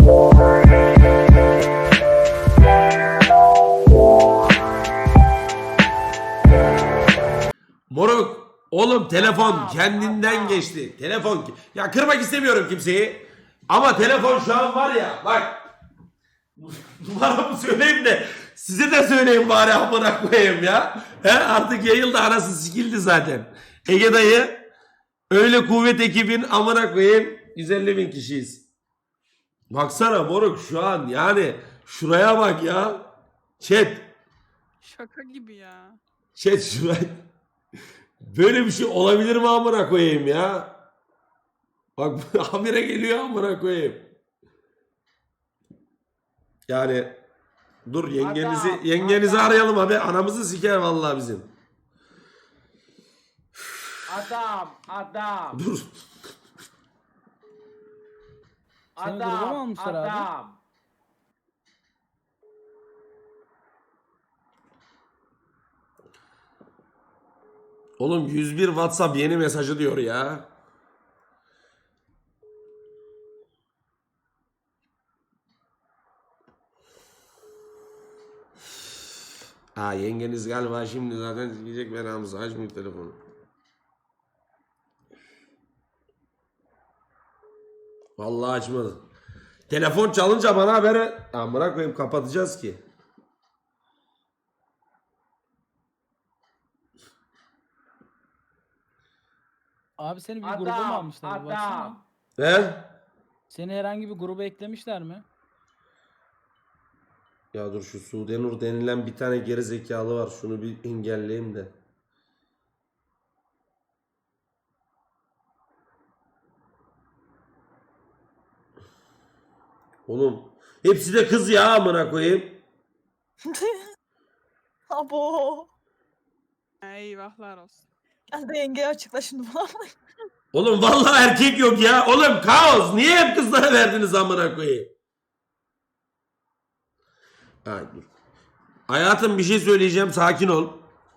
Moruk, oğlum telefon kendinden geçti. Telefon, ya kırmak istemiyorum kimseyi. Ama telefon şu an var ya, bak. Numaramı söyleyeyim de size de söyleyeyim bari, amına koyayım ya. He, artık yayıldı, arası sikildi zaten. Ege dayı, öyle kuvvet ekibin amına koyayım 150.000 kişiyiz. Baksana moruk şu an, yani şuraya bak ya. Chat. Şaka gibi ya. Chat şuraya. Böyle bir şey olabilir mi amına koyayım ya? Bak habire geliyor amına koyayım. Yani dur yengenizi arayalım abi. Anamızı siker vallahi bizim. Adam. Dur. Seni gruba mı almışlar abi? Oğlum 101 WhatsApp yeni mesajı diyor ya. Ha, yengeniz galiba şimdi zaten diyecek, ben Hamza açmayayım telefonu. Vallahi açmadı. Telefon çalınca bana haber, amına koyayım, kapatacağız ki. Abi seni bir gruba mı almışlar? Bir baksana. He? Seni herhangi bir gruba eklemişler mi? Ya dur, şu Sudenur denilen bir tane geri zekalı var. Şunu bir engelleyeyim de. Oğlum hepsi de kız ya, amına koyayım. Abo. Eyvahlar olsun. Gel de yengeye açıkla şimdi bana. Oğlum vallahi erkek yok ya. Oğlum kaos. Niye hep kızlara verdiniz amına koyayım? Ha, dur. Hayatım bir şey söyleyeceğim. Sakin ol.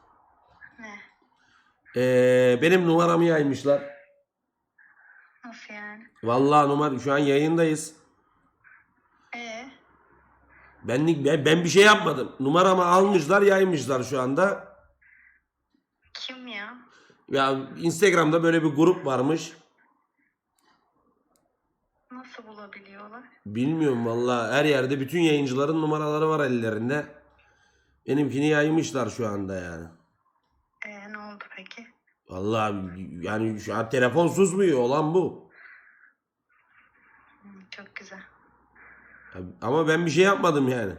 Benim numaramı yaymışlar. Nasıl yani? Vallahi numara, şu an yayındayız. Ben bir şey yapmadım. Numaramı almışlar, yaymışlar şu anda. Kim ya? Ya Instagram'da böyle bir grup varmış. Nasıl bulabiliyorlar? Bilmiyorum vallahi, her yerde bütün yayıncıların numaraları var ellerinde. Benimkini yaymışlar şu anda yani. Ne oldu peki? Vallahi yani şu an telefon susmuyor, olan bu. Çok güzel. Ama ben bir şey yapmadım yani.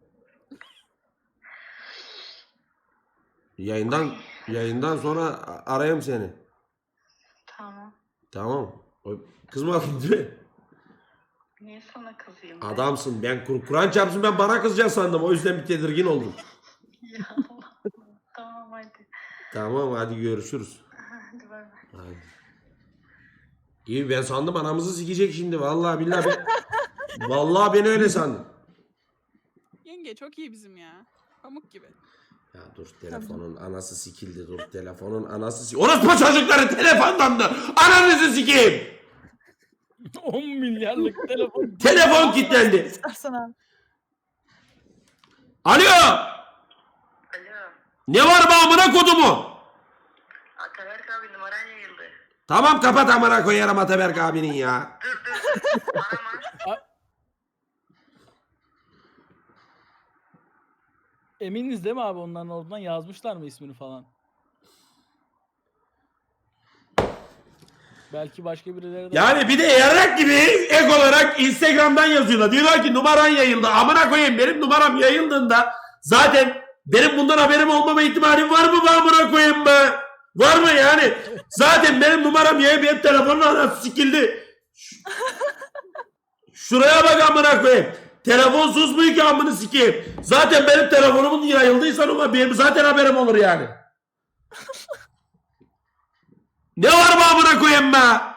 Yayından sonra arayayım seni. Tamam. Tamam. Kızmadın değil mi? Niye sana kızayım? Adamsın. Ben Kur'an çarpsın, ben bana kızacaksın sandım. O yüzden bir tedirgin oldum. Ya Allah. Tamam hadi. Tamam hadi görüşürüz. Hadi bay bay. Hadi. İyi, ben sandım anamızı sikecek şimdi. Vallahi billahi vallahi ben öyle sandım. Yenge çok iyi bizim ya. Pamuk gibi. Ya dur, telefonun anası sikildi, dur, telefonun anası sikildi. Orospu çocukları telefondan da ananızı sikeyim. 10 milyarlık telefon. Telefon kilitlendi. İstersen abi. Alo. Alo. Ne var be amına kodumu? Ataberk abi numaran yayıldı. Tamam, kapat amına koyarım Ataberk abinin ya. Dur. Arama. Eminiz değil mi abi, onların oradan yazmışlar mı ismini falan? Belki başka birileri de... Yani bir de yarrak gibi ek olarak Instagram'dan yazıyorlar. Diyorlar ki numaran yayıldı. Amına koyayım, benim numaram yayıldığında zaten benim bundan haberim olmama ihtimalim var mı be amına koyayım be? Var mı yani? Zaten benim numaram yayıp hep telefonun anası sikildi. Şuraya bak amına koyayım. Telefon susmuyor ki amını sikeyim. Zaten benim telefonumun yayıldıysa numara, benim zaten haberim olur yani. Ne var mı amına koyayım be?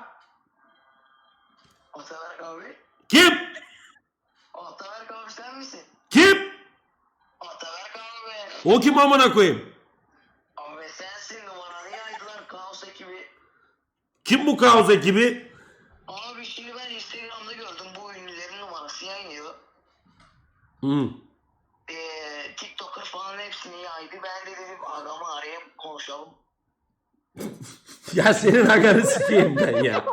Ataberk abi. Kim? Ataberk abi sen misin? Kim? Ataberk abi. O kim amına koyayım? Abi sensin, numaranı yaydılar Kaos ekibi. Kim bu kaos ekibi? Abi şimdi ben Instagram'da gördüm bu ünlülerin numarası. şarkısı yayınlıyor. Hı. TikToker falan hepsini yaydı. Ben de dedim adamı arayayım konuşalım. Ya senin aganı sikeyim ben ya.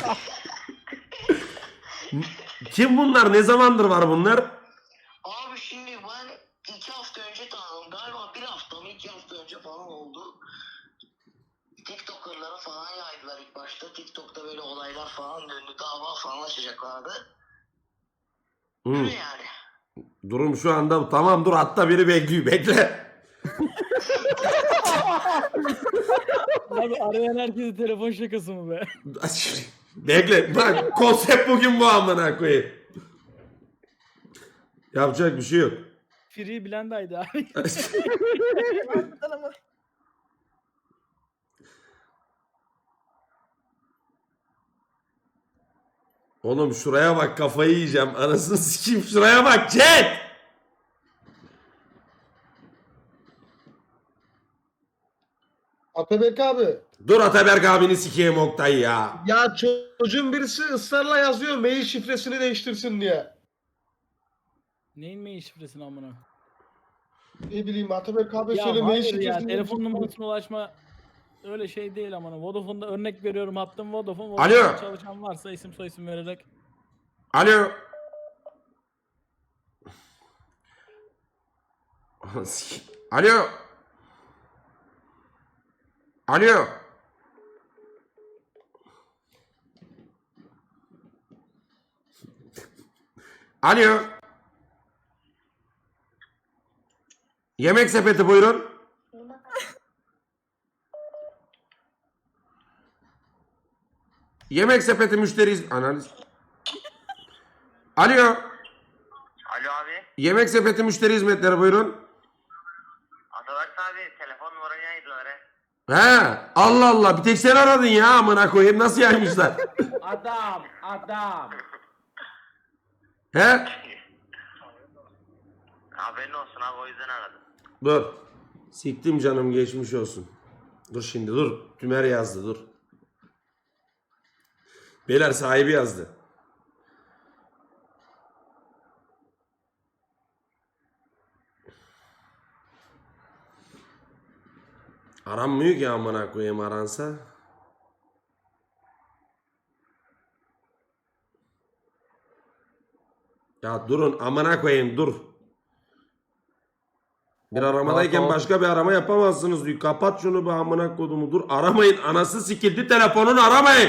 Kim bunlar? Ne zamandır var bunlar? Abi şimdi ben 2 hafta önce tanıdım. Galiba 1 hafta mı 2 hafta önce falan oldu. TikToker'lara falan yaydılar ilk başta. TikTok'ta böyle olaylar falan döndü. Dava falan açacaklardı. Hı. Öyle yani. Durum şu anda tamam, dur hatta biri bekliyor, bekle. Abi arayan herkese telefon şakası mı be? Bekle. Bak konsept bugün bu, amına koyayım. Yapacak bir şey yok. Free Blend'aydı abi. Harbiden ama. Oğlum şuraya bak, kafayı yiyeceğim. Anasını sikeyim, şuraya bak chat. Atabek abi. Dur Ataberk abini sikeyim Oktay ya. Ya çocuğun birisi ısrarla yazıyor mail şifresini değiştirsin diye. Neyin mail şifresini amına? Ne bileyim Atabek abi Ya söyle mail hayır ya şifresini. telefon numarasına ulaşma öyle şey değil amına. Vodafone'da örnek veriyorum, hattım Vodafone. Alo. Vodafone'da çalışan varsa isim soyisim vererek. Alo. Alo. Alo. Alo. Yemek sepeti buyurun. Yemek sepeti müşteriyiz. Analiz. Alo. Alo abi. Yemek sepeti müşteri hizmetleri buyurun. Atabak abi telefon numaranı yaydılar he. He, Allah Allah, bir tek sen aradın ya, amına koyayım, nasıl yaymışlar? Adam. He? Haberin olsun abi o yüzden aradım. Dur. Siktim canım, geçmiş olsun. Dur şimdi, dur. Tümer yazdı, dur. Beyler sahibi yazdı. Aranmıyor ki amına koyayım, aransa. Ya durun amına koyayım, dur. Bir aramadayken başka bir arama yapamazsınız diyor. Kapat şunu be amına kodumu, dur aramayın, anası sikildi telefonun, aramayın.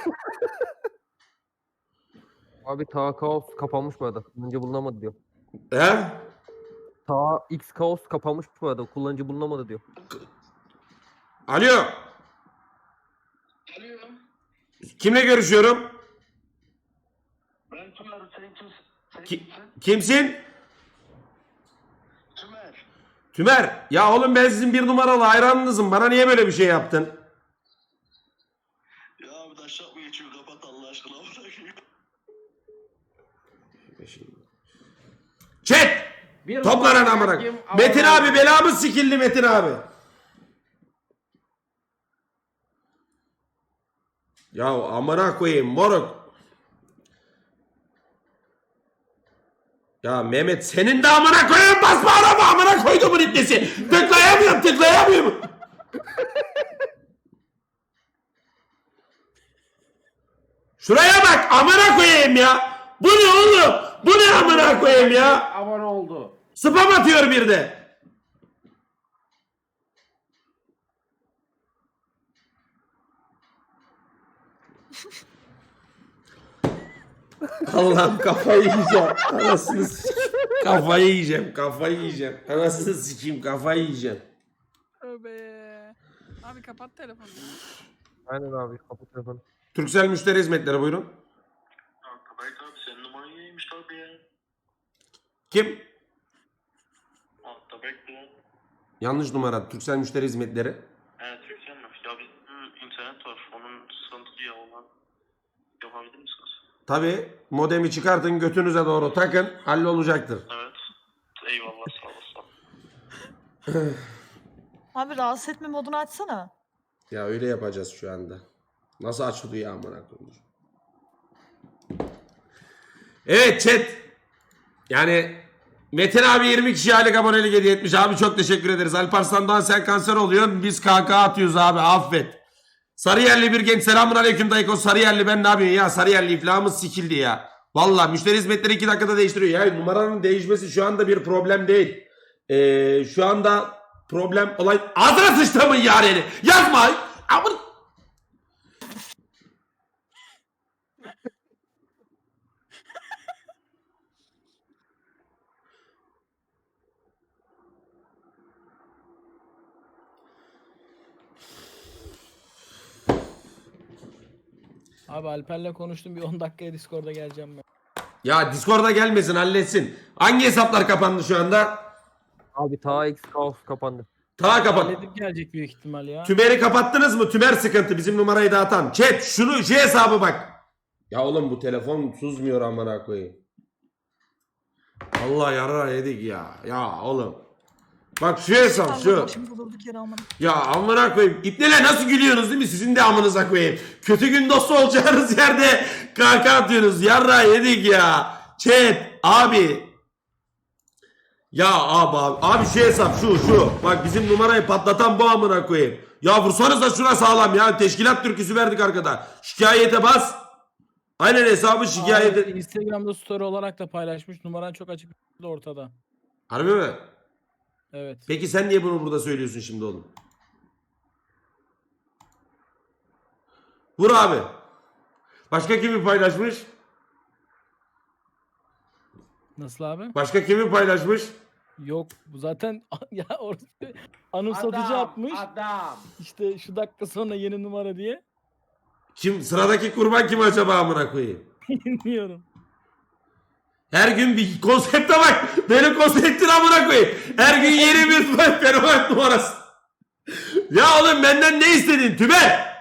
Abi ta kaos kapanmış bu arada. Kullanıcı bulunamadı diyor. He? Ta X kaos kapanmış bu arada. Kullanıcı bulunamadı diyor. Alo. Alo. Kimle görüşüyorum? Ben Tümer, sen kimsin? Sen Kimsin? Tümer. Tümer. Ya oğlum, ben sizin bir numaralı hayranınızım. Bana niye böyle bir şey yaptın? Ya abi taşak mı geçiyor, kapat Allah aşkına. Chat! Toplanın amına. Metin abi belamız sikildi, Metin abi. Ya amına koyayım moruk. Ya Mehmet, senin de amına koyayım, basma araba, amına koyduğumun iplesi. Tıklayamıyorum. Şuraya bak amına koyayım ya. Bu ne oğlum? Bu ne amına koyayım ya? Abone oldu. Spam atıyor bir de. Allah'ım kafayı yiyeceğim. Anasını sikeyim. Kafayı yiyeceğim. Anasını sikeyim, kafayı yiyeceğim. Tövbe. Abi kapat telefonu. Aynen abi kapat telefonu. Turkcell müşteri hizmetleri buyurun. Atabak abi senin numaranı yaymış abi ya. Kim? Atabak bu. Yanlış numara. Turkcell müşteri hizmetleri. Evet yükselmiş. Ya bizim internet var. Onun sıkıntılı ya olan. Yapabilir misiniz? Tabi modemi çıkartın, götünüze doğru takın, hallolacaktır. Evet. Eyvallah sağ olasın. Abi rahatsız etme modunu açsana. Ya öyle yapacağız şu anda. Nasıl açılıyor ya amına koyayım? Evet chat. Yani Metin abi 20 kişi aylık abonelik hediye etmiş. Abi çok teşekkür ederiz. Alparslan Doğan sen kanser oluyorsun. Biz KK atıyoruz abi affet. Sarıyerli bir genç. Selamun aleyküm dayıko. Sarıyerli ben ne yapayım ya? Sarıyerli iflahımız sikildi ya. Valla müşteri hizmetleri 2 dakikada değiştiriyor. Ya numaranın değişmesi şu anda bir problem değil. Şu anda problem olay... Ağzına sıçtığımın yareni. Yazma. Amın... Abi Alper'le konuştum, bir 10 dakikaya Discord'a geleceğim ben. Ya Discord'a gelmesin halletsin. Hangi hesaplar kapandı şu anda? Abi ta X Kaos kapandı. Ta kapat. Halledip gelecek büyük ihtimal ya. Tümer'i kapattınız mı? Tümer sıkıntı. Bizim numarayı dağıtan. Chat şunu şu hesabı bak. Ya oğlum bu telefon susmuyor amına koyayım. Allah yarar yedik ya. Ya oğlum. Bak şu hesap şu. Şimdi durduk yere amına. Ya amına koyayım. İpneler nasıl gülüyorsunuz değil mi? Sizin de amınıza koyayım. Kötü gün dostu olacağınız yerde kaka atıyorsunuz. Yarra yedik ya. Chat abi. Ya abi şu hesap şu. Bak bizim numarayı patlatan bu amına koyayım. Ya vursanız da şuna sağlam ya. Teşkilat türküsü verdik arkada. Şikayete bas. Aynen hesabı şikayete. Abi, Instagram'da story olarak da paylaşmış. Numaran çok açık ortada. Harbi mi? Evet. Peki sen niye bunu burada söylüyorsun şimdi oğlum? Vur abi. Başka kimi paylaşmış? Nasıl abi? Başka kimi paylaşmış? Yok bu zaten ya orada anımsatıcı atmış. Adam. İşte şu dakika sonra yeni numara diye. Kim sıradaki kurban kim acaba amına koyayım? Bilmiyorum. Her gün bir konsepte bak. Benim konseptin amına koyayım. Her gün yeni bir fenomen numarası. Ya oğlum benden ne istedin Tümer?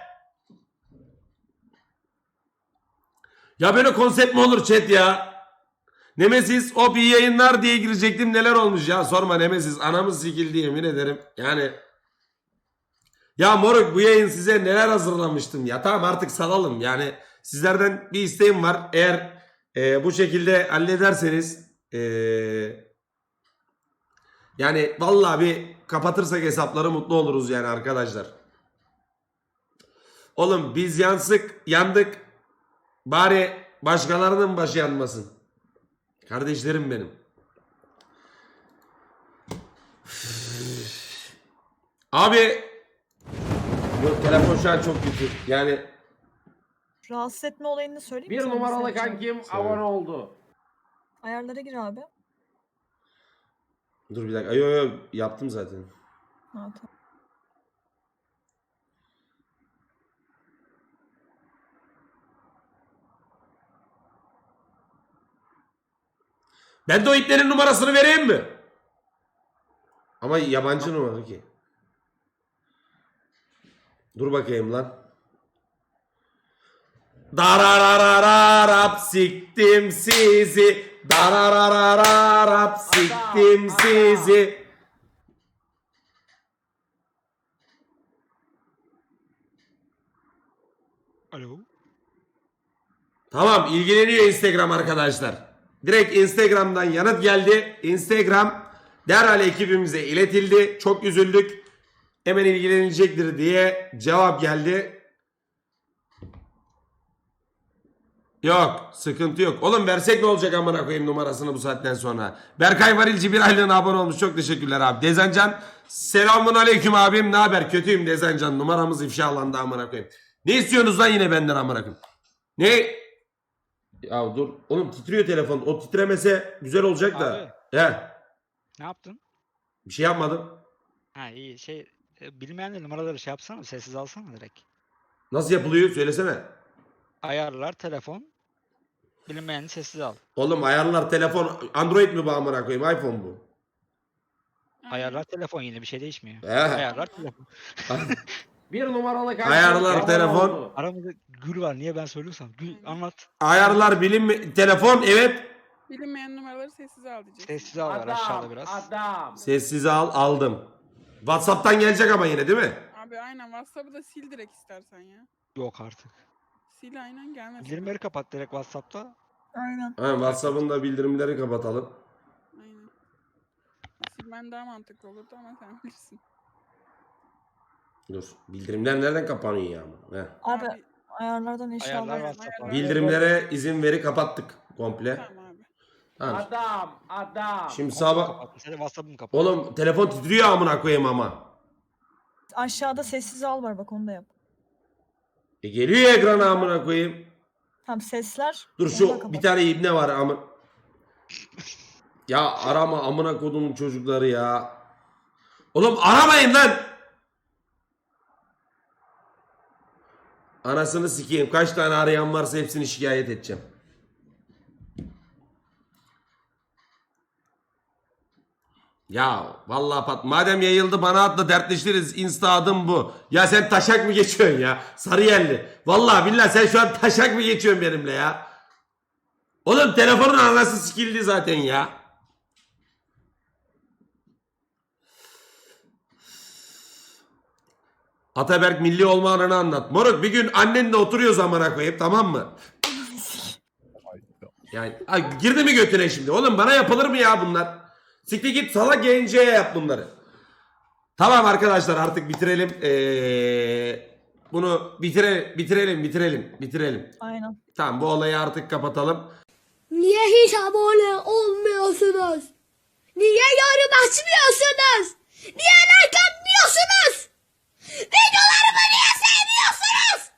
Ya böyle konsept mi olur chat ya? Nemesis o iyi yayınlar diye girecektim, neler olmuş ya, sorma Nemesis, anamız sikildi yemin ederim yani. Ya moruk bu yayın size neler hazırlamıştım ya, tamam artık salalım yani, sizlerden bir isteğim var, eğer bu şekilde hallederseniz yani vallahi bir kapatırsak hesapları mutlu oluruz yani arkadaşlar. Oğlum biz yandık bari başkalarının başı yanmasın. Kardeşlerim benim. Abi yok, telefon şu an çok kötü. Yani Rahatsız etme olayını söyleyeyim mi Bir sana numaralı mesela? kankim abone oldu. Ayarlara gir abi. dur bir dakika. Yo yaptım zaten. Ha, tamam. Ben de o iplerin numarasını vereyim mi? Ama yabancı numara ki. Dur bakayım lan. Darararararap siktim sizi. Darararararap siktim sizi. Alo. Tamam, ilgileniyor Instagram arkadaşlar. Direkt Instagram'dan yanıt geldi. Instagram derhal ekibimize iletildi. Çok üzüldük. Hemen ilgilenilecektir diye cevap geldi. Yok, sıkıntı yok. Oğlum versek ne olacak amına koyayım numarasını bu saatten sonra. Berkay Varilci bir aylığına abone olmuş. Çok teşekkürler abi. Dezencan selamun aleyküm abim. Ne haber? Kötüyüm Dezencan. Numaramız ifşalandı amına koyayım. Ne istiyorsunuz lan yine benden amına koyayım? Ne? Ya dur. Oğlum titriyor telefon. O titremese güzel olacak da. Abi. He. Ne yaptın? Bir şey yapmadım. Ha iyi bilmeyen de numaraları şey yapsana, sessiz alsana direkt. Nasıl yapılıyor? Söylesene. Ayarlar telefon. Bilinmeyeni sessiz al. Oğlum ayarlar telefon. Android mi bu amına koyayım? iPhone bu. Ayarlar telefon, yine bir şey değişmiyor. He. Ayarlar telefon. Bir numaralı kankim Ayarlar abone telefon. oldu. Aramızda Gül var, niye ben söylüyorsam. Gül anlat. Ayarlar telefon evet. Bilinmeyen numaraları sessize al diyeceksin. Sessiz al var aşağıda biraz. Adam. Sessize aldım. WhatsApp'tan gelecek ama yine değil mi? Abi aynen, WhatsApp'ı da sil direkt istersen ya. Yok artık. Sil aynen, gelmesin. Bildirimleri kapat direkt WhatsApp'ta. Aynen. Ha, WhatsApp'ın da bildirimleri kapatalım. Aynen. Silmen daha mantıklı olurdu ama sen bilirsin. Dur. Bildirimler nereden kapanıyor ya? Heh. Abi ayarlardan inşallah. Ayarlar WhatsApp'a. Bildirimlere izin veri kapattık komple. Tamam abi. Tamam. Adam. Şimdi sabah... Kapat. Senin WhatsApp'ım kapat. Oğlum telefon titriyor amına koyayım ama. Aşağıda sessiz al var bak onu da yap. Geliyor ekrana amına koyayım. Tamam sesler. Dur onu da şu kapat. bir tane ibne var ama. Ya arama amına kodumun çocukları ya. Oğlum aramayın lan. Anasını sikeyim. Kaç tane arayan varsa hepsini şikayet edeceğim. Ya vallahi madem yayıldı bana atla dertleşiriz. Insta adım bu. Ya sen taşak mı geçiyorsun ya? Sarıyerli. Vallahi billahi sen şu an taşak mı geçiyorsun benimle ya? Oğlum telefonun anası sikildi zaten ya. Ataberk milli olma anını anlat. Moruk bir gün annenle oturuyoruz amına koyup tamam mı? Yani ay, girdi mi götüne şimdi? Oğlum bana yapılır mı ya bunlar? Siktir git salak genceye yap bunları. Tamam arkadaşlar artık bitirelim. Bunu bitirelim. Aynen. Tamam bu olayı artık kapatalım. Niye hiç abone olmuyorsunuz? Niye yorum açmıyorsunuz? Niye like atmıyorsunuz? Videolarımı niye sevmiyorsunuz?